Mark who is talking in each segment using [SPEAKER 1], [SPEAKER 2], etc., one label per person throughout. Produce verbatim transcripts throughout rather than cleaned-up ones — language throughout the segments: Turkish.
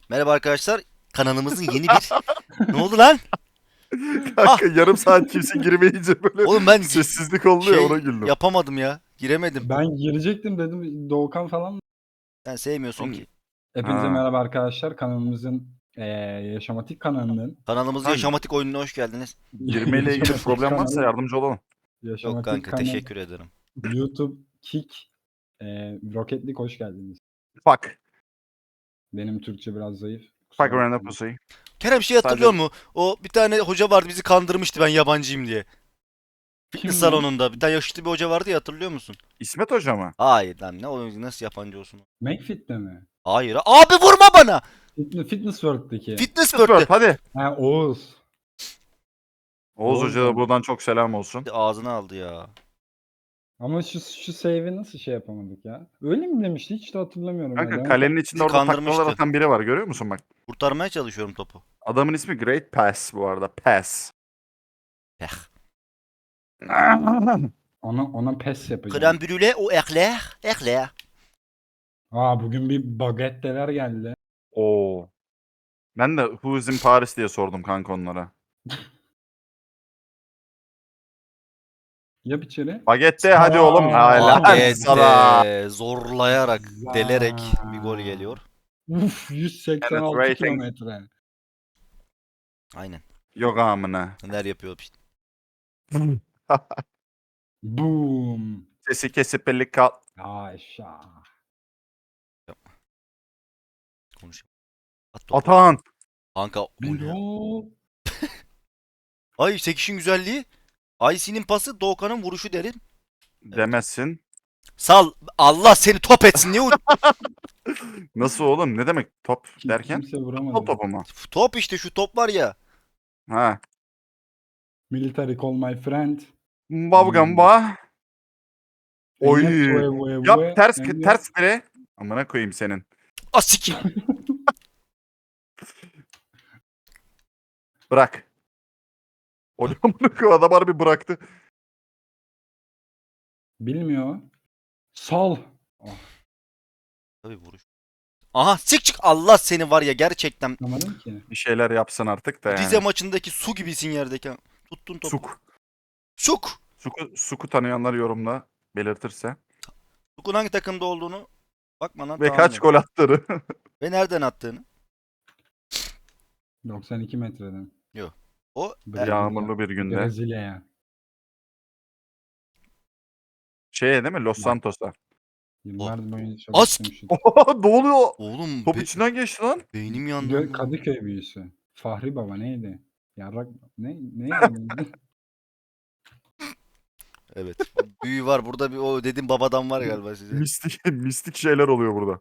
[SPEAKER 1] Merhaba arkadaşlar. Kanalımızın yeni bir... Ne oldu lan? Ah!
[SPEAKER 2] Kanka yarım saat kimse girmeyince böyle
[SPEAKER 1] Oğlum ben gi-
[SPEAKER 2] sessizlik oldu ya, ona
[SPEAKER 1] şey
[SPEAKER 2] güldüm.
[SPEAKER 1] yapamadım ya. Giremedim.
[SPEAKER 3] Ben girecektim dedim Doğukan falan.
[SPEAKER 1] Sen sevmiyorsun
[SPEAKER 2] Oğlum,
[SPEAKER 1] ki.
[SPEAKER 3] Hepinize
[SPEAKER 2] ha.
[SPEAKER 3] merhaba arkadaşlar. Kanalımızın eee Yaşamatik kanalının
[SPEAKER 1] Kanalımızın
[SPEAKER 2] Kanka,
[SPEAKER 1] yaşamatik oyununa hoş geldiniz.
[SPEAKER 2] girmeyle ilgili
[SPEAKER 3] Yaşamatik
[SPEAKER 2] problem varsa
[SPEAKER 3] kanalı
[SPEAKER 2] yardımcı olalım.
[SPEAKER 1] Yok
[SPEAKER 3] Yaşamatik
[SPEAKER 1] kanka
[SPEAKER 3] kanal
[SPEAKER 1] teşekkür ederim.
[SPEAKER 3] YouTube Kick eee Rocket League hoş geldiniz.
[SPEAKER 2] Fuck.
[SPEAKER 3] Benim Türkçe biraz zayıf.
[SPEAKER 2] Fuck
[SPEAKER 3] Kusura
[SPEAKER 2] random
[SPEAKER 3] bakmayın.
[SPEAKER 2] pussy.
[SPEAKER 1] Kerem şey hatırlıyor
[SPEAKER 2] Sadece
[SPEAKER 1] musun? O bir tane hoca vardı bizi kandırmıştı ben yabancıyım diye. Fitness
[SPEAKER 3] Kim lan?
[SPEAKER 1] salonunda bir tane yaşlı bir hoca vardı ya hatırlıyor musun?
[SPEAKER 2] İsmet Hoca mı?
[SPEAKER 1] Hayır lan ne o nasıl yabancı olsun?
[SPEAKER 3] McFit'te mi?
[SPEAKER 1] Hayır. Abi vurma bana.
[SPEAKER 3] Fitness, Fitness World'daki.
[SPEAKER 1] Fitness
[SPEAKER 2] Word,
[SPEAKER 1] World'te.
[SPEAKER 2] hadi.
[SPEAKER 3] Ha Oğuz.
[SPEAKER 2] Oğuz
[SPEAKER 3] Oğuz
[SPEAKER 2] Hoca da
[SPEAKER 3] da.
[SPEAKER 2] buradan çok selam olsun.
[SPEAKER 1] Ağzına aldı ya.
[SPEAKER 3] Ama şu şu save'i nasıl şey yapamadık ya? Öyle mi demişti? Hiç de hatırlamıyorum.
[SPEAKER 2] Kanka
[SPEAKER 3] ya. Demek
[SPEAKER 2] kalenin içinde
[SPEAKER 1] Bizi
[SPEAKER 2] orada taklalar
[SPEAKER 1] kandırmıştı.
[SPEAKER 2] atan biri var, görüyor musun bak.
[SPEAKER 1] Kurtarmaya çalışıyorum topu.
[SPEAKER 2] Adamın ismi Great Pass bu arada. Pass.
[SPEAKER 1] Eh.
[SPEAKER 3] ona, ona pes yapacağım.
[SPEAKER 1] Krem brûlée o ekler. Ekler.
[SPEAKER 3] Aa bugün bir bagetteler geldi.
[SPEAKER 2] Oo. Ben de Who's in Paris diye sordum kanka onlara.
[SPEAKER 3] Yap içeri.
[SPEAKER 2] Bagette hadi oğlum. Hala sana.
[SPEAKER 1] Bagette zorlayarak, delerek bir gol geliyor.
[SPEAKER 3] Uf yüz seksen altı
[SPEAKER 2] Penetrating.
[SPEAKER 3] kilometre.
[SPEAKER 1] Aynen.
[SPEAKER 2] Yok amına.
[SPEAKER 1] Neler yapıyor işte.
[SPEAKER 3] Boom.
[SPEAKER 2] Sesi kesip belli kal.
[SPEAKER 3] Aşağı.
[SPEAKER 1] Konuşayım. At topu.
[SPEAKER 2] Atan.
[SPEAKER 1] Kanka o ne?
[SPEAKER 3] Bilo.
[SPEAKER 1] Ay sekişin güzelliği. Aysin'in pası Doğukan'ın vuruşu derin.
[SPEAKER 2] Demezsin.
[SPEAKER 1] Sal Allah seni top etsin. Niye uç-
[SPEAKER 2] Nasıl oğlum? Ne demek top
[SPEAKER 3] Kim-
[SPEAKER 2] derken?
[SPEAKER 3] Kimse
[SPEAKER 2] Futbol
[SPEAKER 3] vuramadı.
[SPEAKER 2] topu mu?
[SPEAKER 1] Top işte şu top var ya.
[SPEAKER 2] Ha.
[SPEAKER 3] Military call my friend.
[SPEAKER 2] Babgamba. Oy.
[SPEAKER 3] Enyet vue vue vue.
[SPEAKER 2] Yap ters
[SPEAKER 3] Enyet.
[SPEAKER 2] ters bire. Amına koyayım senin.
[SPEAKER 1] Asik.
[SPEAKER 2] Bırak. O amına koyayım, adam harbi bıraktı.
[SPEAKER 3] Bilmiyor. Sal. Oh,
[SPEAKER 1] Tabii vuruş. Aha sik çık Allah seni var ya gerçekten.
[SPEAKER 3] anlamadım ki.
[SPEAKER 2] Bir şeyler yapsın artık da
[SPEAKER 1] Rize
[SPEAKER 2] yani.
[SPEAKER 1] maçındaki su gibisin yerdeki. Tuttun topu.
[SPEAKER 2] Suk.
[SPEAKER 1] Suk.
[SPEAKER 2] Suku, Suku tanıyanlar yorumda belirtirse.
[SPEAKER 1] Suk'un hangi takımda olduğunu bakmadan
[SPEAKER 2] Ve
[SPEAKER 1] tahmin
[SPEAKER 2] kaç
[SPEAKER 1] et.
[SPEAKER 2] gol attığını.
[SPEAKER 1] Ve nereden attığını.
[SPEAKER 3] doksan iki metreden.
[SPEAKER 1] O e,
[SPEAKER 3] Brezilya.
[SPEAKER 2] Yağmurlu bir günde.
[SPEAKER 3] Brezilya'ya.
[SPEAKER 2] Şeye değil mi? Los Santos'a.
[SPEAKER 3] Yıllar boyunca
[SPEAKER 1] As-
[SPEAKER 3] çalıştım şu.
[SPEAKER 2] ne oluyor?
[SPEAKER 1] oğlum
[SPEAKER 2] Top
[SPEAKER 1] be-
[SPEAKER 2] içinden geçti lan.
[SPEAKER 1] beynim yandı.
[SPEAKER 3] Gö-
[SPEAKER 1] lan.
[SPEAKER 3] Kadıköy büyüsü. Fahri Baba neydi? Yarrak ne neydi?
[SPEAKER 1] Evet. Büyü var burada bir o dedim babadan var galiba size.
[SPEAKER 2] Mistik, mistik şeyler oluyor burada.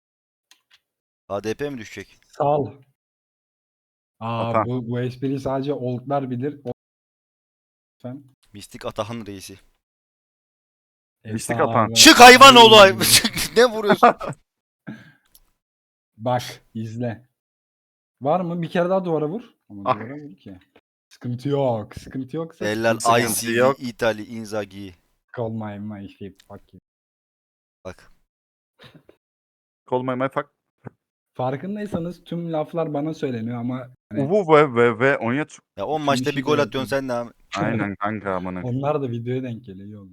[SPEAKER 1] H D P mi düşecek?
[SPEAKER 3] Sal. Aa
[SPEAKER 2] Atan.
[SPEAKER 3] bu, bu espriyi sadece oldlar bilir. O- Lütfen.
[SPEAKER 1] Mistik Atahan reisi.
[SPEAKER 2] Mistik
[SPEAKER 3] Efsane.
[SPEAKER 2] atan.
[SPEAKER 1] Çık hayvan oğlu. Ne vuruyorsun?
[SPEAKER 3] Bak izle. Var mı? Bir kere daha duvara vur. Ama
[SPEAKER 2] Ah.
[SPEAKER 3] duvara vur ki. Sıkıntı yok. Sıkıntı yoksa
[SPEAKER 1] Eller
[SPEAKER 2] Sıkıntı
[SPEAKER 1] I C V
[SPEAKER 2] yok.
[SPEAKER 1] İtali Inzaghi.
[SPEAKER 3] call my my shit. Fuck you.
[SPEAKER 1] Bak.
[SPEAKER 2] Call my my fuck.
[SPEAKER 3] Farkındaysanız tüm laflar bana söyleniyor ama hani
[SPEAKER 2] Uvu ve ve ve Onyet.
[SPEAKER 1] Ya on
[SPEAKER 3] Kim
[SPEAKER 1] maçta
[SPEAKER 3] işi
[SPEAKER 1] bir gol
[SPEAKER 3] de
[SPEAKER 1] atıyorsun sen de abi.
[SPEAKER 2] Aynen kanka amına.
[SPEAKER 3] onlar da videoya denk geliyor. iyi oldu.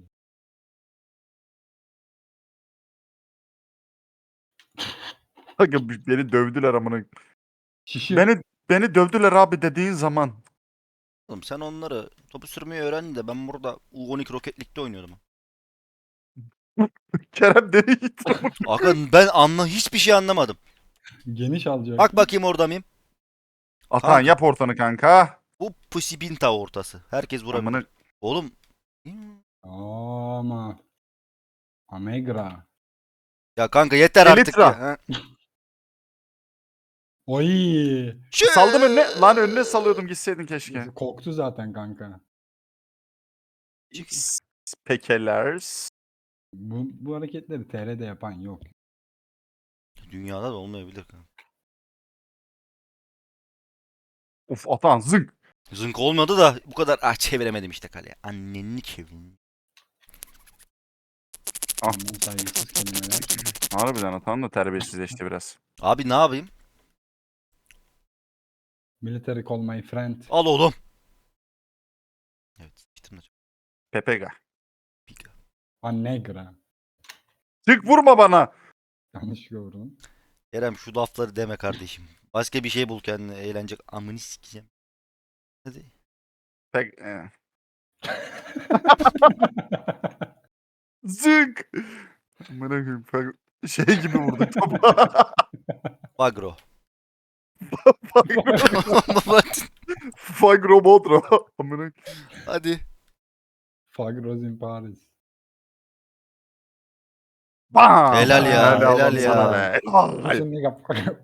[SPEAKER 2] Kanka beni dövdüler amına.
[SPEAKER 3] Şişir.
[SPEAKER 2] Beni beni dövdüler abi dediğin zaman.
[SPEAKER 1] Oğlum sen onları topu sürmeyi öğrendin de ben burada U on iki Rocket League'de oynuyordum.
[SPEAKER 2] Kerem deli gitti.
[SPEAKER 1] Akın ben anla hiçbir şey anlamadım.
[SPEAKER 3] Geniş alacak.
[SPEAKER 1] Bak bakayım orada mıyım?
[SPEAKER 2] Atan
[SPEAKER 1] Kanka.
[SPEAKER 2] yap ortanı kanka.
[SPEAKER 1] Bu Pusibinta ortası. Herkes vurabilir.
[SPEAKER 2] Amına.
[SPEAKER 1] Oğlum.
[SPEAKER 3] Ama. Amegra.
[SPEAKER 1] Ya kanka yeter artık
[SPEAKER 2] Elitra.
[SPEAKER 1] ya. ha.
[SPEAKER 3] Oy.
[SPEAKER 1] Şu-
[SPEAKER 2] Saldım önüne. Lan önüne salıyordum, gitseydin keşke.
[SPEAKER 3] Koktu zaten kanka.
[SPEAKER 2] Spekelers.
[SPEAKER 3] Bu, bu hareketleri T R'de yapan yok.
[SPEAKER 1] Dünyada da olmayabilir kanka.
[SPEAKER 2] Uf atan zınk.
[SPEAKER 1] Zınk olmadı da bu kadar ah çeviremedim işte kaleye. Anneni çevirin.
[SPEAKER 2] Ah.
[SPEAKER 3] Ondan saygısız kelimeler.
[SPEAKER 2] Harbiden atan da terbiyesizleşti biraz.
[SPEAKER 1] Abi ne yapayım?
[SPEAKER 3] Military call my friend.
[SPEAKER 1] Al oğlum. Evet. Bitirme.
[SPEAKER 2] Pepega.
[SPEAKER 1] Piga.
[SPEAKER 3] Annegra.
[SPEAKER 2] Çık vurma bana.
[SPEAKER 3] Yanlış gördüm.
[SPEAKER 1] Kerem şu lafları deme kardeşim. Başka bir şey bul kendine eğlenecek. Amını sikeceğim. Hadi.
[SPEAKER 2] Pek... e. Zık. Amına koyayım. Peg- Şey gibi vurduk topa.
[SPEAKER 1] Bagro.
[SPEAKER 2] Fagro. Fagro Bodro. Amına
[SPEAKER 1] Hadi.
[SPEAKER 3] Fagros in Paris.
[SPEAKER 2] Bam!
[SPEAKER 1] Helal ya,
[SPEAKER 2] Helal,
[SPEAKER 1] helal
[SPEAKER 2] olsun sana
[SPEAKER 1] ya.
[SPEAKER 2] be. Helal.
[SPEAKER 3] Listen nigga.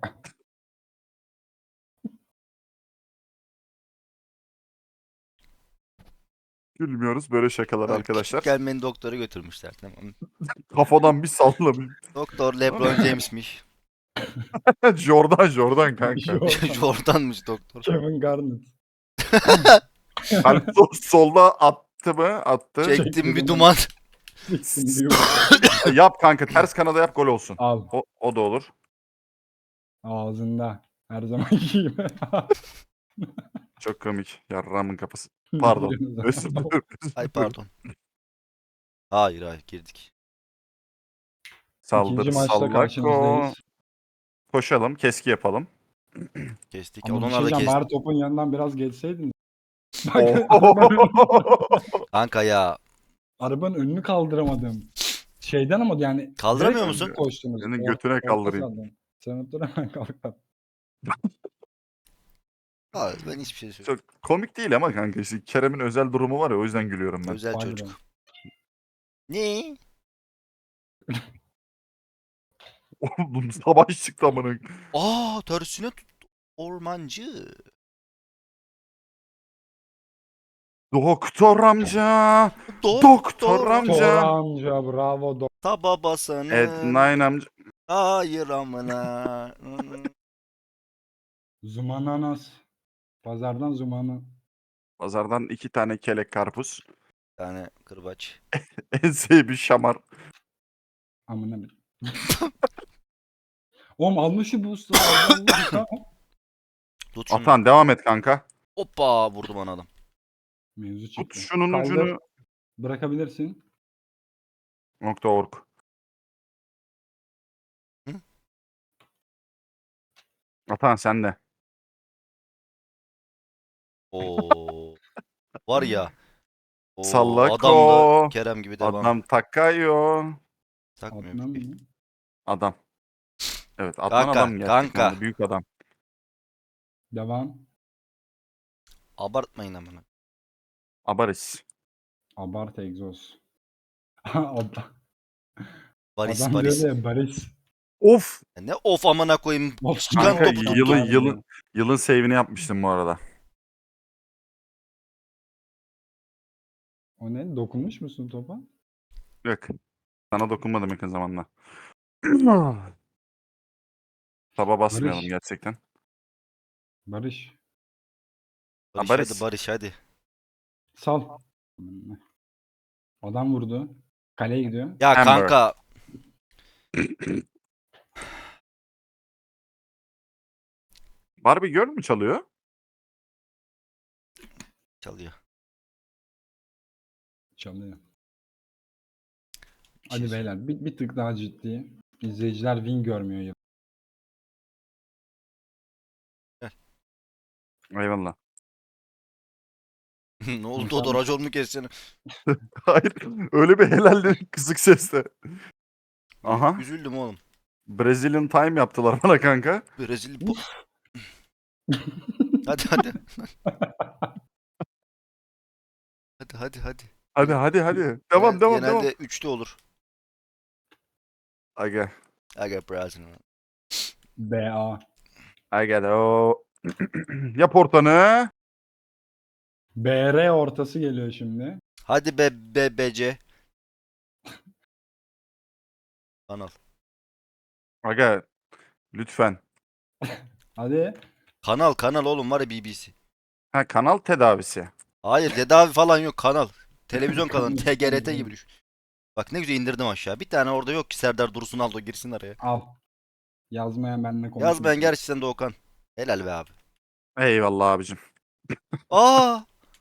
[SPEAKER 2] Gülmüyoruz böyle şakalar
[SPEAKER 1] Tamam,
[SPEAKER 2] arkadaşlar.
[SPEAKER 1] küçükken beni doktora götürmüşler. Tamam.
[SPEAKER 2] Kafadan bir sallamış.
[SPEAKER 1] Doktor LeBron James'miş.
[SPEAKER 2] Jordan Jordan kanka.
[SPEAKER 3] Jordan.
[SPEAKER 1] Jordan'mış doktor.
[SPEAKER 3] Kevin Garnett.
[SPEAKER 2] Kalp sol- solda attı mı? Attı.
[SPEAKER 1] Çektim bir duman.
[SPEAKER 3] Siksin diyor.
[SPEAKER 2] Yap kanka ters kanada yap gol olsun.
[SPEAKER 3] Al.
[SPEAKER 2] O, o da olur.
[SPEAKER 3] Ağzında. Her zamanki gibi.
[SPEAKER 2] Çok komik. Yarramın kafası. Pardon. Özür dilerim. özür
[SPEAKER 1] Ay
[SPEAKER 2] dilerim.
[SPEAKER 1] pardon. Hayır hayır girdik.
[SPEAKER 2] Saldır
[SPEAKER 3] İkinci maçta
[SPEAKER 2] sallako.
[SPEAKER 3] karşınızdayız.
[SPEAKER 2] Koşalım. Keski yapalım.
[SPEAKER 1] Kestik.
[SPEAKER 3] Ama bir
[SPEAKER 1] Onlar
[SPEAKER 3] şey
[SPEAKER 1] da
[SPEAKER 3] diyeceğim.
[SPEAKER 1] kestik.
[SPEAKER 3] Bari topun yanından biraz geçseydin. Bak
[SPEAKER 2] Oo.
[SPEAKER 3] arabanın,
[SPEAKER 1] Kanka ya.
[SPEAKER 3] arabanın önünü kaldıramadım. Şeyden ama yani
[SPEAKER 1] Kaldıramıyor
[SPEAKER 3] direkt
[SPEAKER 1] musun?
[SPEAKER 3] koştunuz.
[SPEAKER 2] Senin
[SPEAKER 3] Or-
[SPEAKER 2] götüne
[SPEAKER 3] orta
[SPEAKER 2] kaldırayım.
[SPEAKER 3] sahadan. Sen dur hemen kalk.
[SPEAKER 1] Hayır ben hiçbir şey söylemiyorum.
[SPEAKER 2] Çok komik değil ama kanka işte Kerem'in özel durumu var ya o yüzden gülüyorum ben.
[SPEAKER 1] Özel
[SPEAKER 3] Pardon.
[SPEAKER 1] çocuk. Ne?
[SPEAKER 2] Oğlum savaş çıktı amına.
[SPEAKER 1] Aa tersine tuttu. Ormancı.
[SPEAKER 2] Doktor amca.
[SPEAKER 1] Doktor.
[SPEAKER 2] Doktor amca.
[SPEAKER 3] Tora amca bravo. Do-
[SPEAKER 1] Ta babasının.
[SPEAKER 2] Ednine amca.
[SPEAKER 1] Hayır amına.
[SPEAKER 3] Zumananas. Pazardan zumana.
[SPEAKER 2] Pazardan iki tane kelek karpuz.
[SPEAKER 1] Bir tane kırbaç.
[SPEAKER 2] Enseye bir şamar.
[SPEAKER 3] Amına bir. Oğlum almışı bu usta. Allah.
[SPEAKER 1] Tut şunu.
[SPEAKER 2] Atan devam et kanka.
[SPEAKER 1] Hoppa vurdu bana adam.
[SPEAKER 3] Mevzu
[SPEAKER 2] Tut
[SPEAKER 3] çıktı.
[SPEAKER 2] şunun
[SPEAKER 3] Kaldır.
[SPEAKER 2] ucunu.
[SPEAKER 3] Bırakabilirsin.
[SPEAKER 2] Nokta org.
[SPEAKER 1] Hı?
[SPEAKER 2] Atan sen de.
[SPEAKER 1] Oo. Var ya. Oo,
[SPEAKER 2] Sallako.
[SPEAKER 1] adam da Kerem gibi devam.
[SPEAKER 2] Adam Takayo.
[SPEAKER 1] Takmıyor.
[SPEAKER 3] Adnan
[SPEAKER 1] bir şey.
[SPEAKER 3] mı?
[SPEAKER 2] Adam. Evet Adnan
[SPEAKER 1] Kanka,
[SPEAKER 2] adam gerçekten.
[SPEAKER 1] kanka.
[SPEAKER 2] de, Büyük adam.
[SPEAKER 3] Devam.
[SPEAKER 1] Abartmayın amına.
[SPEAKER 2] Abaris.
[SPEAKER 3] Abart egzoz. Adam,
[SPEAKER 1] Baris
[SPEAKER 3] adam
[SPEAKER 1] Baris.
[SPEAKER 3] diyor ya Baris.
[SPEAKER 2] Of.
[SPEAKER 1] Ne of amına koyayım.
[SPEAKER 3] Of,
[SPEAKER 1] Çıkan
[SPEAKER 2] Kanka
[SPEAKER 1] topu tuttu.
[SPEAKER 2] yılın yılın yılın save'ini yapmıştım bu arada.
[SPEAKER 3] O ne? Dokunmuş musun topa?
[SPEAKER 2] Yok. Sana dokunmadım yakın zamanda. Taba basmayalım
[SPEAKER 3] Barış.
[SPEAKER 2] gerçekten.
[SPEAKER 3] Barış.
[SPEAKER 1] Barış
[SPEAKER 2] Baris.
[SPEAKER 1] hadi Barış hadi.
[SPEAKER 3] Sal. Adam vurdu. Kaleye gidiyor.
[SPEAKER 1] Ya
[SPEAKER 2] Amber.
[SPEAKER 1] kanka.
[SPEAKER 2] Barbie Girl mü çalıyor?
[SPEAKER 1] Çalıyor.
[SPEAKER 3] Çalıyor.
[SPEAKER 1] Bir
[SPEAKER 3] Hadi
[SPEAKER 1] şey-
[SPEAKER 3] beyler bir, bir tık daha ciddi. İzleyiciler win görmüyor ya.
[SPEAKER 2] Eyvallah.
[SPEAKER 1] Ne oldu
[SPEAKER 3] İnsan-
[SPEAKER 1] o da racon mu keseceksin?
[SPEAKER 2] Hayır. Öyle bir helal dedik kısık sesle. Aha.
[SPEAKER 1] Üzüldüm oğlum.
[SPEAKER 2] Brazilian time yaptılar bana kanka.
[SPEAKER 1] Brezilya. bu- hadi hadi. Hadi hadi hadi.
[SPEAKER 2] Hadi hadi hadi. Devam
[SPEAKER 1] Genel-
[SPEAKER 2] devam
[SPEAKER 1] Genelde
[SPEAKER 2] devam.
[SPEAKER 1] üçte olur.
[SPEAKER 2] Aga.
[SPEAKER 1] Aga Brazil.
[SPEAKER 3] B A.
[SPEAKER 2] Aga de o. Yap ortanı.
[SPEAKER 3] B R ortası geliyor şimdi.
[SPEAKER 1] Hadi be be bece. Kanal.
[SPEAKER 2] Aga. Lütfen.
[SPEAKER 3] Hadi.
[SPEAKER 1] Kanal kanal oğlum var ya B B C.
[SPEAKER 2] Ha kanal tedavisi.
[SPEAKER 1] Hayır tedavi falan yok kanal. Televizyon kanalı.
[SPEAKER 3] Kanal,
[SPEAKER 1] T G R T
[SPEAKER 3] kanal.
[SPEAKER 1] gibi düşün. Bak ne güzel indirdim aşağı. Bir tane orada yok ki Serdar Dursun Aldo girsin araya.
[SPEAKER 3] Al. Yazmayan benimle konuşmasın.
[SPEAKER 1] Yazmayan gerçekten de Okan. Helal be abi.
[SPEAKER 2] Eyvallah abicim.
[SPEAKER 1] Aa!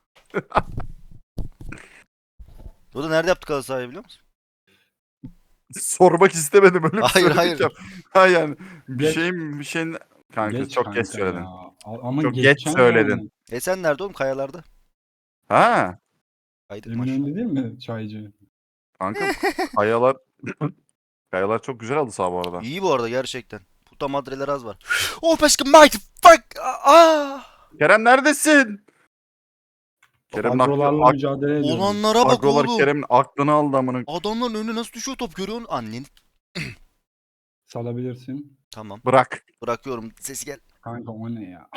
[SPEAKER 1] Dodo nerede yaptık halı sahayı biliyor musun?
[SPEAKER 2] Sormak istemedim öyle bir
[SPEAKER 1] Hayır,
[SPEAKER 2] söyledik
[SPEAKER 1] hayır.
[SPEAKER 2] ya. Ha yani bir
[SPEAKER 3] Geç.
[SPEAKER 2] şeyin bir şeyin kanka
[SPEAKER 3] Geç
[SPEAKER 2] çok
[SPEAKER 3] kanka
[SPEAKER 2] geç söyledin.
[SPEAKER 3] ya. A- Ama
[SPEAKER 2] Çok geç
[SPEAKER 3] geçeceksin
[SPEAKER 2] söyledin.
[SPEAKER 3] yani.
[SPEAKER 1] E sen nerede oğlum? Kayalarda.
[SPEAKER 2] Ha
[SPEAKER 1] Kaydık maç.
[SPEAKER 3] Eminönü değil mi çaycı?
[SPEAKER 2] kanka kayalar kayalar çok güzel aldı sağ bu arada.
[SPEAKER 1] İyi bu arada gerçekten. Puta madreler az var. Oh başka mighty fuck. Aa!
[SPEAKER 2] Kerem neredesin? Kerem'in aklı,
[SPEAKER 3] Agrolarla
[SPEAKER 2] ak,
[SPEAKER 3] mücadele ediyoruz.
[SPEAKER 1] Olanlara bak
[SPEAKER 2] agrolar
[SPEAKER 1] oğlum.
[SPEAKER 2] Kerem'in aklını aldı amına.
[SPEAKER 1] Adamların önüne nasıl düşüyor top görüyor musun? Annen.
[SPEAKER 3] Salabilirsin.
[SPEAKER 1] Tamam.
[SPEAKER 2] Bırak.
[SPEAKER 1] Bırakıyorum. Sesi gel.
[SPEAKER 3] Kanka o ne ya?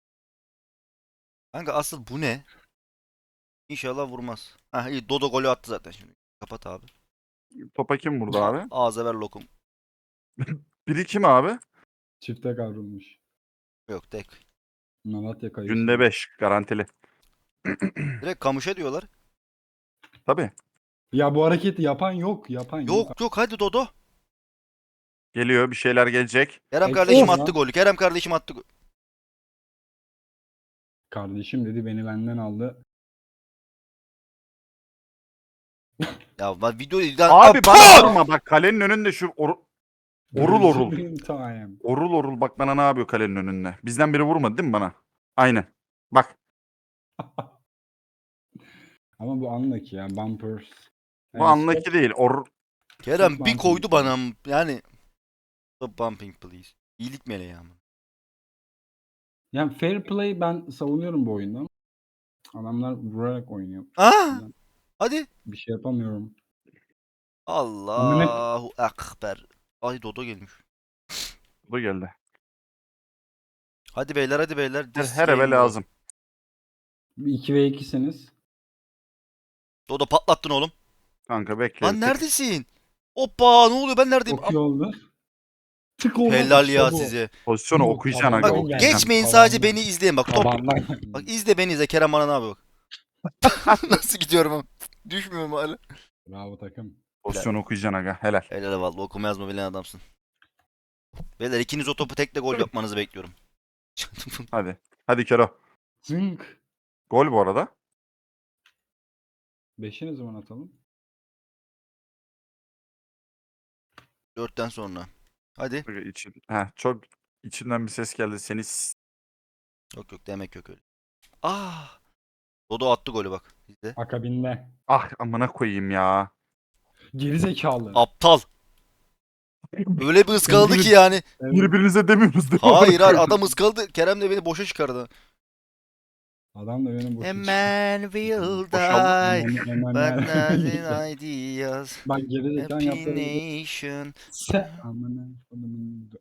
[SPEAKER 1] Kanka asıl bu ne? İnşallah vurmaz. Hah iyi. Dodo golü attı zaten şimdi. Kapat abi.
[SPEAKER 2] Topa kim vurdu abi?
[SPEAKER 1] Ağza ver lokum.
[SPEAKER 2] Biri kim abi?
[SPEAKER 3] Çifte kavrulmuş.
[SPEAKER 1] Yok tek.
[SPEAKER 3] Malatya kayısı.
[SPEAKER 2] Günde beş garantili.
[SPEAKER 1] Direkt kamışa diyorlar.
[SPEAKER 2] Tabii.
[SPEAKER 3] Ya bu hareketi yapan yok. Yapan yok.
[SPEAKER 1] Yok yok hadi Dodo.
[SPEAKER 2] Geliyor bir şeyler gelecek.
[SPEAKER 1] Kerem
[SPEAKER 3] Ek-
[SPEAKER 1] kardeşim
[SPEAKER 3] Of.
[SPEAKER 1] attı golü. Kerem kardeşim attı golü.
[SPEAKER 3] Kardeşim dedi beni benden aldı.
[SPEAKER 1] Ya ben videoyu...
[SPEAKER 2] Abi bana vurma bak kalenin önünde şu or- orul orul.
[SPEAKER 3] Gözümün time.
[SPEAKER 2] Orul orul bak bana ne yapıyor kalenin önünde. Bizden biri vurmadı değil mi bana? Aynen. Bak.
[SPEAKER 3] Ama bu anlaki ya. Bumpers.
[SPEAKER 2] Bu
[SPEAKER 3] Yani
[SPEAKER 2] anlaki
[SPEAKER 3] stop-
[SPEAKER 2] değil. Or
[SPEAKER 1] Kerem
[SPEAKER 3] Stop
[SPEAKER 1] bir
[SPEAKER 3] bumping.
[SPEAKER 1] koydu bana. Yani... Stop bumping please. İyilik meleği ama.
[SPEAKER 3] Yani fair play ben savunuyorum bu oyunda. Adamlar vurarak oynuyor.
[SPEAKER 1] Aa! Hadi.
[SPEAKER 3] Bir şey yapamıyorum.
[SPEAKER 1] Allahu Ekber. Ay Dodo gelmiş.
[SPEAKER 2] bu geldi.
[SPEAKER 1] Hadi beyler hadi beyler.
[SPEAKER 2] Her,
[SPEAKER 1] This
[SPEAKER 2] her eve
[SPEAKER 1] game bro.
[SPEAKER 2] lazım.
[SPEAKER 3] iki ve ikisiniz.
[SPEAKER 1] Dodo patlattın oğlum.
[SPEAKER 2] Kanka bekle.
[SPEAKER 1] Lan
[SPEAKER 2] bir tık.
[SPEAKER 1] neredesin? Hoppa ne oluyor ben neredeyim?
[SPEAKER 3] Çok iyi oldu. Tık oğlum.
[SPEAKER 1] Helal
[SPEAKER 3] işte
[SPEAKER 1] ya
[SPEAKER 3] bu.
[SPEAKER 1] size.
[SPEAKER 2] Pozisyonu
[SPEAKER 3] Bu
[SPEAKER 2] okuyacaksın aga.
[SPEAKER 3] tabandan
[SPEAKER 1] Bak
[SPEAKER 3] geldi.
[SPEAKER 2] okuyacaksın.
[SPEAKER 1] geçmeyin
[SPEAKER 3] Tabandan.
[SPEAKER 1] sadece beni izleyin bak top.
[SPEAKER 3] Tabandan.
[SPEAKER 1] Bak izle beni izle Kerem bana ne yapıyor bak. Nasıl gidiyorum ama. Düşmüyorum hala.
[SPEAKER 3] Bravo takım.
[SPEAKER 2] Pozisyonu okuyacaksın aga. Helal.
[SPEAKER 1] Helal vallahi okuma yazma bilen adamsın. Beyler ikiniz o topu tekle gol yapmanızı bekliyorum.
[SPEAKER 2] Hadi. Hadi Kero.
[SPEAKER 3] Zınk.
[SPEAKER 2] Gol bu arada.
[SPEAKER 3] Beşi ne zaman atalım?
[SPEAKER 1] Dörtten sonra. Hadi.
[SPEAKER 2] Aga için, heh, çok içimden bir ses geldi. Seni s-
[SPEAKER 1] Yok yok demek yok öyle. Ah. Dodo attı golü bak. İzle.
[SPEAKER 3] Akabinde.
[SPEAKER 2] ah amına koyayım ya.
[SPEAKER 3] Geri zekalı.
[SPEAKER 1] Aptal. Öyle bir ıskaladı ki yani.
[SPEAKER 3] Evet.
[SPEAKER 2] Birbirinize demiyorsunuz değil mi?
[SPEAKER 1] Hayır hayır adam ıskaladı. Kerem de beni boşa çıkardı.
[SPEAKER 3] Adam da benim boşu
[SPEAKER 1] A man will
[SPEAKER 2] Boşaldı.
[SPEAKER 1] die.
[SPEAKER 3] Hemen
[SPEAKER 1] But
[SPEAKER 3] hemen.
[SPEAKER 1] nothing ideas.
[SPEAKER 3] Bak geri zekalı
[SPEAKER 1] Happy
[SPEAKER 3] yaptı.
[SPEAKER 1] nation.
[SPEAKER 3] Se. Amına kodumun.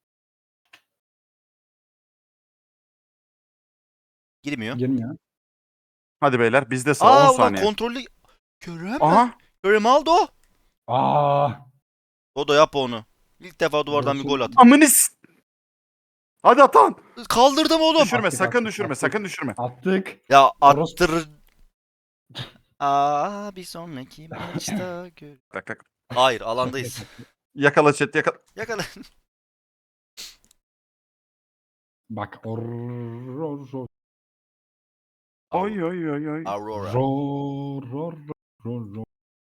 [SPEAKER 1] Girmiyor.
[SPEAKER 3] Girmiyor.
[SPEAKER 2] Hadi beyler bizde sıra
[SPEAKER 1] Aa
[SPEAKER 2] on
[SPEAKER 1] ulan
[SPEAKER 2] saniye.
[SPEAKER 1] kontrollü. Kerem.
[SPEAKER 2] Aha.
[SPEAKER 1] Kerem aldı o.
[SPEAKER 3] Aa.
[SPEAKER 1] Dodo yap onu. İlk defa duvardan bir gol at.
[SPEAKER 2] Amınis. Hadi atan.
[SPEAKER 1] Kaldırdım oğlum.
[SPEAKER 2] Düşürme
[SPEAKER 3] Attık,
[SPEAKER 2] sakın
[SPEAKER 3] attık,
[SPEAKER 2] düşürme
[SPEAKER 3] attık.
[SPEAKER 2] sakın düşürme.
[SPEAKER 3] Attık.
[SPEAKER 1] Ya
[SPEAKER 3] Orospu.
[SPEAKER 1] attır. Aa bir sonraki maçta gör.
[SPEAKER 2] Tak tak.
[SPEAKER 1] Hayır alandayız.
[SPEAKER 2] Yakala chat yakala.
[SPEAKER 1] Yakala.
[SPEAKER 3] Bak. Or. Ro. Ro.
[SPEAKER 2] Oy oy oy oy.
[SPEAKER 1] Aurora.
[SPEAKER 3] Ro. Ro. Ro. Ro.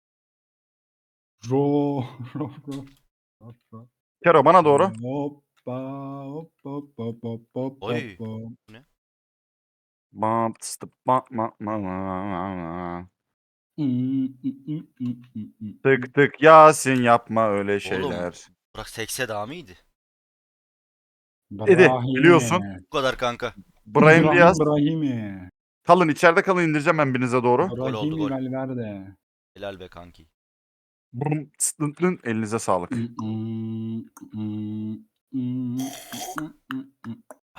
[SPEAKER 3] Ro. Ro. Ro. Ro. Ro.
[SPEAKER 2] Kero bana doğru.
[SPEAKER 3] Hoppa. Hoppa. Hoppa. Hoppa. Hoppa.
[SPEAKER 1] Oy.
[SPEAKER 3] hoppa.
[SPEAKER 2] Bam, tıstı, bam, ma, ma, ma, ma, ma.
[SPEAKER 3] Hmm, hmm, hmm, hmm, hmm, hmm.
[SPEAKER 2] Tık tık Yasin yapma öyle şeyler.
[SPEAKER 1] Bırak sekse daha mıydı?
[SPEAKER 2] Dedi,
[SPEAKER 3] Brahimi.
[SPEAKER 2] biliyorsun.
[SPEAKER 1] Bu kadar kanka.
[SPEAKER 2] Brahim
[SPEAKER 3] İbrahim
[SPEAKER 2] Diaz.
[SPEAKER 3] Brahimi.
[SPEAKER 2] Kalın içeride kalın indireceğim ben birinize doğru.
[SPEAKER 1] Gol oldu,
[SPEAKER 3] Brahimi
[SPEAKER 1] gol.
[SPEAKER 3] Valverde.
[SPEAKER 1] Helal be kanki.
[SPEAKER 2] Brum, tıs, dın, dın. Elinize sağlık.
[SPEAKER 3] Hmm, hmm, hmm, hmm, hmm, hmm, hmm.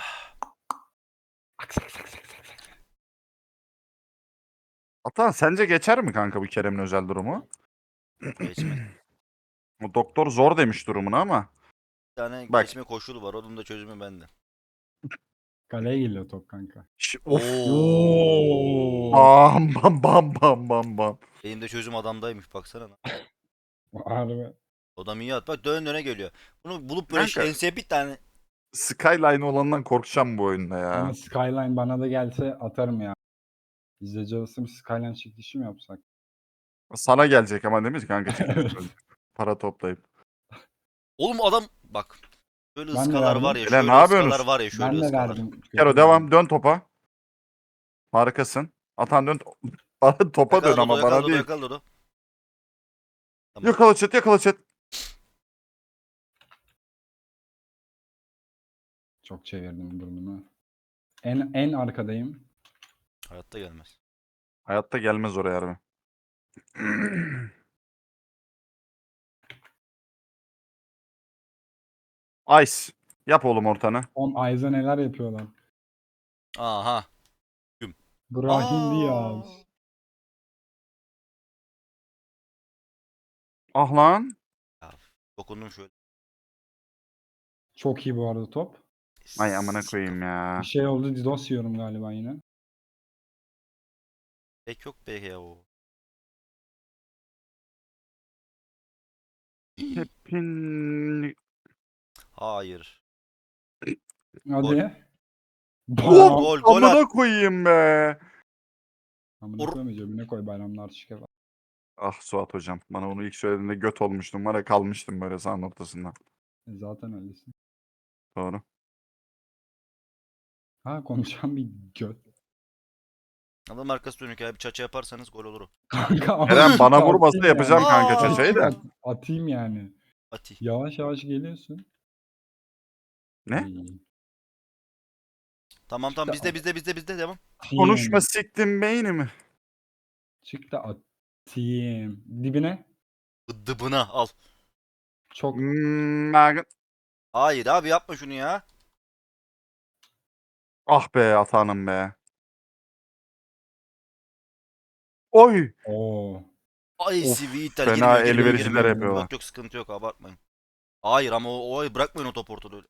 [SPEAKER 2] Atan sence geçer mi kanka bu Kerem'in özel durumu?
[SPEAKER 1] Geçmedi.
[SPEAKER 2] O doktor zor demiş durumunu ama.
[SPEAKER 1] Bir tane
[SPEAKER 2] Bak.
[SPEAKER 1] geçme koşulu var. Onun da çözümü bende.
[SPEAKER 3] Kaleye geliyor top kanka.
[SPEAKER 2] Ş- of.
[SPEAKER 1] Oo.
[SPEAKER 2] Bam bam bam bam bam bam.
[SPEAKER 1] Benim de çözüm adamdaymış baksana.
[SPEAKER 3] Harbi.
[SPEAKER 1] Adam iyi at. Bak dön döne geliyor. Bunu bulup böyle
[SPEAKER 2] Kanka.
[SPEAKER 1] enseye bir tane
[SPEAKER 2] Skyline olandan korkacağım bu oyunda ya.
[SPEAKER 3] Ama Skyline bana da gelse atarım ya. İzleyici arası bir Skyline çekilişi mi yapsak?
[SPEAKER 2] Sana gelecek ama değil mi kanka çekiliş
[SPEAKER 3] Evet.
[SPEAKER 2] çözüm. Para toplayıp.
[SPEAKER 1] Oğlum adam bak. Şöyle
[SPEAKER 3] Ben de
[SPEAKER 1] ıskalar var
[SPEAKER 3] verdim.
[SPEAKER 1] ya.
[SPEAKER 2] Beyler, ne
[SPEAKER 1] Şöyle ıskalar
[SPEAKER 2] yapıyorsunuz?
[SPEAKER 1] var ya. Şöyle
[SPEAKER 3] Ben de
[SPEAKER 1] ıskalar.
[SPEAKER 3] verdim.
[SPEAKER 2] Kero devam. Dön topa. Harikasın. Atan dön. Bana topa dön
[SPEAKER 1] Yakala
[SPEAKER 2] ama
[SPEAKER 1] Dodo, yakala
[SPEAKER 2] bana
[SPEAKER 1] Dodo,
[SPEAKER 2] değil.
[SPEAKER 1] yakala Dodo. Tamam.
[SPEAKER 2] Yakala chat, yakala chat.
[SPEAKER 3] Çok çevirdim burnumu. En en arkadayım.
[SPEAKER 1] Hayatta gelmez.
[SPEAKER 2] Hayatta gelmez oraya harbi. Ice. Yap oğlum ortanı.
[SPEAKER 3] On Ayza neler yapıyorlar.
[SPEAKER 1] Aha.
[SPEAKER 3] Brahim
[SPEAKER 1] Aa.
[SPEAKER 3] Diaz.
[SPEAKER 2] Ah lan.
[SPEAKER 1] Ya, dokundum şöyle.
[SPEAKER 3] Çok iyi bu arada top.
[SPEAKER 2] Ay amına koyayım
[SPEAKER 3] Bir
[SPEAKER 2] ya.
[SPEAKER 3] şey oldu. Didos yiyorum galiba yine.
[SPEAKER 1] Pek yok be ya o.
[SPEAKER 2] Hepin...
[SPEAKER 1] Hayır.
[SPEAKER 3] Hadi.
[SPEAKER 2] Oh!
[SPEAKER 3] Bayram.
[SPEAKER 1] Gol gol at.
[SPEAKER 2] Amına koyayım be.
[SPEAKER 3] Amına
[SPEAKER 1] Or-
[SPEAKER 3] koyma cebine koy bayramlar şike var.
[SPEAKER 2] Ah Suat hocam. Bana onu ilk söylediğinde göt olmuştum. Var ya kalmıştım böyle sahanın ortasında.
[SPEAKER 3] E zaten öylesin.
[SPEAKER 2] Doğru.
[SPEAKER 3] Ha konuşan bir göt.
[SPEAKER 1] Adam arkası dönük ya. Bir çaça yaparsanız gol olur o.
[SPEAKER 3] Kanka
[SPEAKER 2] Eren
[SPEAKER 3] az
[SPEAKER 2] bana
[SPEAKER 3] çıktı,
[SPEAKER 2] vurmasa
[SPEAKER 3] atayım
[SPEAKER 2] yapacağım
[SPEAKER 3] yani.
[SPEAKER 2] kanka
[SPEAKER 1] Aa!
[SPEAKER 2] çaçayı da.
[SPEAKER 3] At- Atayım yani.
[SPEAKER 1] Ati.
[SPEAKER 3] Yavaş yavaş geliyorsun.
[SPEAKER 2] Ne?
[SPEAKER 3] İyi.
[SPEAKER 1] Tamam tamam
[SPEAKER 3] İşte
[SPEAKER 1] bizde bizde bizde bizde devam.
[SPEAKER 2] Konuşma
[SPEAKER 3] atayım.
[SPEAKER 2] siktim beynimi.
[SPEAKER 3] Çık da atayım. Dibine.
[SPEAKER 1] Dıbına al.
[SPEAKER 3] Çok.
[SPEAKER 2] Hmm, ben-
[SPEAKER 1] Hayır abi yapma şunu ya.
[SPEAKER 2] ah be atanım be. Oy.
[SPEAKER 3] Oo.
[SPEAKER 1] Ay
[SPEAKER 2] Of,
[SPEAKER 1] Siviter
[SPEAKER 2] fena
[SPEAKER 1] girmiyor girmiyor
[SPEAKER 2] elverişler
[SPEAKER 1] girmiyor.
[SPEAKER 2] yapıyorlar.
[SPEAKER 1] Yok yok sıkıntı yok abartmayın. Hayır ama o, o bırakmayın o topu ortada öyle.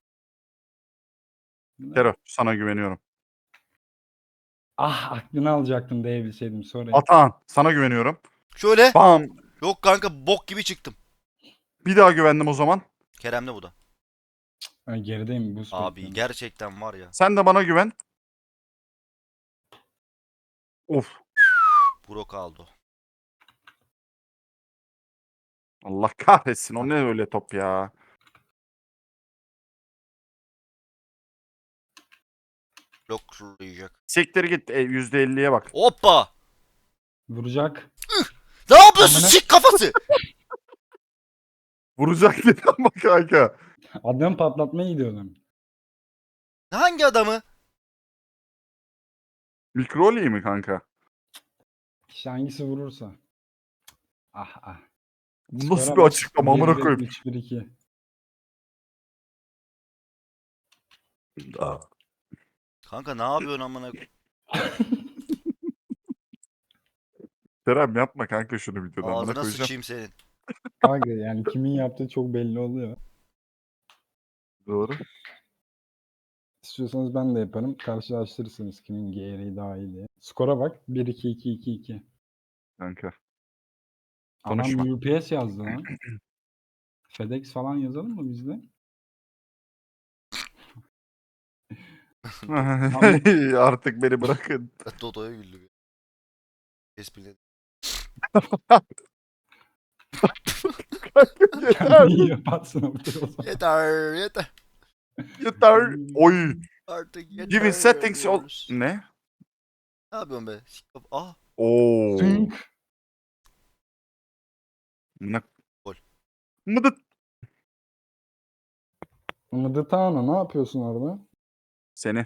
[SPEAKER 2] Kero sana güveniyorum.
[SPEAKER 3] Ah aklını alacaktım diyebilseydim sonra.
[SPEAKER 2] Atan sana güveniyorum.
[SPEAKER 1] Şöyle.
[SPEAKER 2] Bam.
[SPEAKER 1] Yok kanka bok gibi çıktım.
[SPEAKER 2] Bir daha güvendim o zaman.
[SPEAKER 1] Kerem'le bu da.
[SPEAKER 3] Ay, gerideyim buz
[SPEAKER 1] Abi
[SPEAKER 3] bekliyorum.
[SPEAKER 1] gerçekten var ya.
[SPEAKER 2] Sen de bana güven. Of.
[SPEAKER 1] Burak aldı.
[SPEAKER 2] Allah kahretsin o ne öyle top ya.
[SPEAKER 1] Bloklayacak.
[SPEAKER 2] Siktir git e, yüzde elliye bak.
[SPEAKER 1] Hoppa.
[SPEAKER 3] Vuracak.
[SPEAKER 1] Ne yapıyorsun
[SPEAKER 3] Amına-
[SPEAKER 1] sik kafası?
[SPEAKER 2] Vuracak dedi ama kanka.
[SPEAKER 3] Adam patlatmaya gidiyordum.
[SPEAKER 1] Hangi adamı?
[SPEAKER 2] Mikroli mi kanka?
[SPEAKER 3] İşte hangisi vurursa. Ah ah.
[SPEAKER 2] Bu nasıl
[SPEAKER 3] Skora
[SPEAKER 2] bir
[SPEAKER 3] bak.
[SPEAKER 2] açıklama amına
[SPEAKER 3] bir bir,
[SPEAKER 2] koyayım.
[SPEAKER 3] üç bir iki.
[SPEAKER 1] Kanka ne yapıyorsun amına?
[SPEAKER 2] Kerem yapma kanka şunu videoda amına
[SPEAKER 1] Ağzına
[SPEAKER 2] koyacağım.
[SPEAKER 1] sıçayım senin.
[SPEAKER 3] Kanka yani kimin yaptığı çok belli oluyor.
[SPEAKER 2] Doğru.
[SPEAKER 3] İstiyorsanız ben de yaparım. Karşılaştırırsınız kimin gereği daha iyi diye. Skora bak. bir iki iki iki iki.
[SPEAKER 2] Kanka.
[SPEAKER 3] Adam
[SPEAKER 2] Konuşma.
[SPEAKER 3] U P S yazdı lan. FedEx falan yazalım mı bizde?
[SPEAKER 2] Artık beni bırakın.
[SPEAKER 1] Dodo'ya güldüm. Esprileri.
[SPEAKER 2] Yeter.
[SPEAKER 3] Kendini yaparsın ortaya o zaman.
[SPEAKER 1] Yeter yeter.
[SPEAKER 2] Yeter. Oy.
[SPEAKER 1] Artık yeter.
[SPEAKER 2] Giving settings ol...
[SPEAKER 1] diyoruz.
[SPEAKER 2] Ne?
[SPEAKER 1] Ne yapıyorsun be? Sik kaf- Ah.
[SPEAKER 2] Oo.
[SPEAKER 3] Zınk.
[SPEAKER 2] Ne?
[SPEAKER 1] Gol.
[SPEAKER 2] Mıdıt.
[SPEAKER 3] Mıdıtano ne yapıyorsun orada?
[SPEAKER 2] Seni.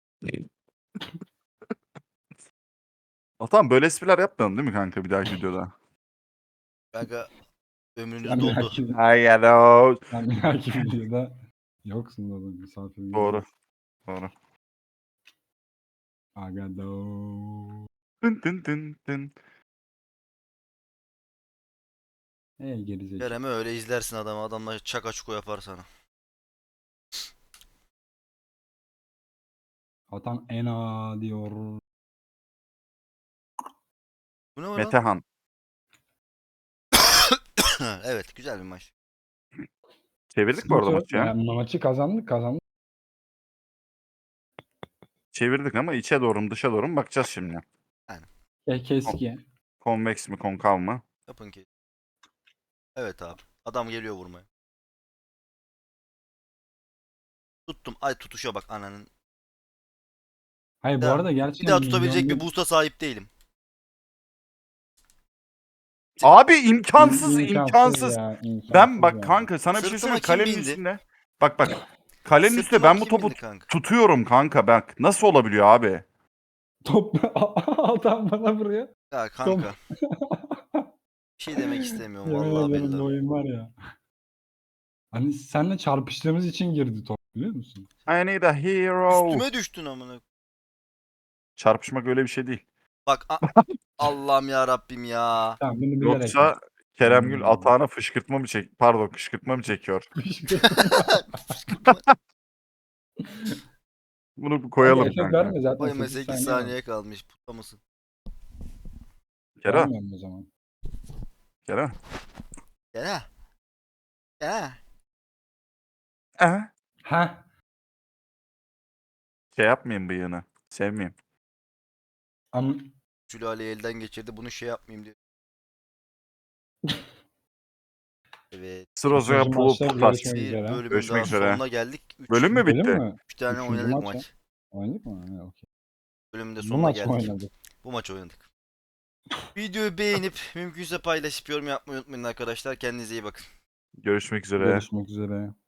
[SPEAKER 2] Atan böyle espriler yapmayalım değil mi kanka bir dahaki videoda?
[SPEAKER 1] Kanka ömrünüz
[SPEAKER 3] Sen bir
[SPEAKER 1] doldu.
[SPEAKER 3] dahaki,
[SPEAKER 2] Ay hello.
[SPEAKER 3] sen bir dahaki videoda yoksun oğlum misafirimiz.
[SPEAKER 2] Doğru. Doğru.
[SPEAKER 3] Agado.
[SPEAKER 2] Tın tın tın tın.
[SPEAKER 3] Ey gerizekalı.
[SPEAKER 1] Kerem'i öyle izlersin adamı. Adamla çaka çuko yapar sana.
[SPEAKER 3] Atan ena diyor.
[SPEAKER 1] Bu ne var lan?
[SPEAKER 2] Metehan.
[SPEAKER 1] Evet güzel bir maç.
[SPEAKER 2] Çevirdik bu arada
[SPEAKER 3] Sıkıntı yok
[SPEAKER 2] maçı ya.
[SPEAKER 3] ya. Maçı kazandık kazandık.
[SPEAKER 2] çevirdik ama içe doğru mu dışa doğru mu bakacağız şimdi.
[SPEAKER 3] E, keski.
[SPEAKER 2] Konveks mi konkav mı?
[SPEAKER 1] Yapın ki. Evet abi. Adam geliyor vurmaya. Tuttum. Ay tutuşa bak ananın.
[SPEAKER 3] Hayır bu
[SPEAKER 1] Ya,
[SPEAKER 3] arada
[SPEAKER 1] Bir
[SPEAKER 3] gerçekten
[SPEAKER 1] daha tutabilecek bir
[SPEAKER 3] milyonda
[SPEAKER 1] boost'a sahip değilim.
[SPEAKER 2] Abi
[SPEAKER 3] İm-
[SPEAKER 2] imkansız
[SPEAKER 3] imkansız
[SPEAKER 2] imkansız.
[SPEAKER 3] ya. imkansız
[SPEAKER 2] Ben bak
[SPEAKER 3] ya.
[SPEAKER 2] kanka sana bir şey
[SPEAKER 1] Sırtıma
[SPEAKER 2] söyleyeyim mi?
[SPEAKER 1] kim
[SPEAKER 2] Kalenin
[SPEAKER 1] bindi?
[SPEAKER 2] üstünde. Bak bak. Kalenin üstünde
[SPEAKER 1] Sırtıma
[SPEAKER 2] ben bu
[SPEAKER 1] kim
[SPEAKER 2] topu
[SPEAKER 1] bindi kanka?
[SPEAKER 2] tutuyorum kanka bak. Nasıl olabiliyor abi?
[SPEAKER 3] Top adam bana vuruyor.
[SPEAKER 1] Ya
[SPEAKER 3] Top.
[SPEAKER 1] kanka. Bir şey demek istemiyorum
[SPEAKER 3] Yemin
[SPEAKER 1] vallahi
[SPEAKER 3] ederim bu
[SPEAKER 1] billahi.
[SPEAKER 3] oyun var ya. Hani seninle çarpıştığımız için girdi top biliyor musun?
[SPEAKER 2] I need a hero.
[SPEAKER 1] Üstüme düştün amına.
[SPEAKER 2] Çarpışmak öyle bir şey değil.
[SPEAKER 1] Bak a- Allah'ım ya Rabbim ya.
[SPEAKER 3] Tamam bunu bilerek
[SPEAKER 2] Yoksa
[SPEAKER 3] yaptım.
[SPEAKER 2] Keremgül
[SPEAKER 3] Hmm.
[SPEAKER 2] atağına fışkırtma mı çek pardon kışkırtma mı çekiyor?
[SPEAKER 1] Fışkırtma.
[SPEAKER 2] Bunu bir
[SPEAKER 3] Abi
[SPEAKER 2] koyalım
[SPEAKER 3] efekt
[SPEAKER 2] kanka.
[SPEAKER 3] verme zaten
[SPEAKER 1] Koyma
[SPEAKER 3] sekiz
[SPEAKER 1] sekiz
[SPEAKER 3] saniye var.
[SPEAKER 1] saniye kalmış. Puta mısın?
[SPEAKER 2] Kerem,
[SPEAKER 3] Vermiyorum o zaman.
[SPEAKER 2] Kerem.
[SPEAKER 1] Gel. Gel.
[SPEAKER 2] Eh.
[SPEAKER 3] Ha.
[SPEAKER 2] Şey yapmayayım bıyığını. Sevmeyeyim.
[SPEAKER 3] Am
[SPEAKER 1] Sülaleyi elden geçirdi. Bunu şey yapmayayım diyor. Evet.
[SPEAKER 2] Sırozaya
[SPEAKER 3] Üçüncü
[SPEAKER 2] pulu
[SPEAKER 3] maçta
[SPEAKER 2] putas.
[SPEAKER 3] görüşmek
[SPEAKER 1] Bir
[SPEAKER 3] üzere.
[SPEAKER 1] bölümün
[SPEAKER 2] Görüşmek
[SPEAKER 1] daha
[SPEAKER 2] üzere.
[SPEAKER 1] sonuna geldik. Üç,
[SPEAKER 2] Bölüm mü
[SPEAKER 3] Bölüm
[SPEAKER 2] bitti?
[SPEAKER 3] mü?
[SPEAKER 1] üç tane
[SPEAKER 3] Üçüncü
[SPEAKER 1] oynadık
[SPEAKER 3] maç.
[SPEAKER 1] maç.
[SPEAKER 3] Oynadık mı? Ha, okey.
[SPEAKER 1] Bölümün de
[SPEAKER 3] Bu
[SPEAKER 1] sonuna
[SPEAKER 3] maç mı
[SPEAKER 1] geldik.
[SPEAKER 3] oynadık?
[SPEAKER 1] Bu maç oynadık. Videoyu beğenip mümkünse paylaşıp yorum yapmayı unutmayın arkadaşlar. Kendinize iyi bakın.
[SPEAKER 2] Görüşmek üzere.
[SPEAKER 3] Görüşmek üzere.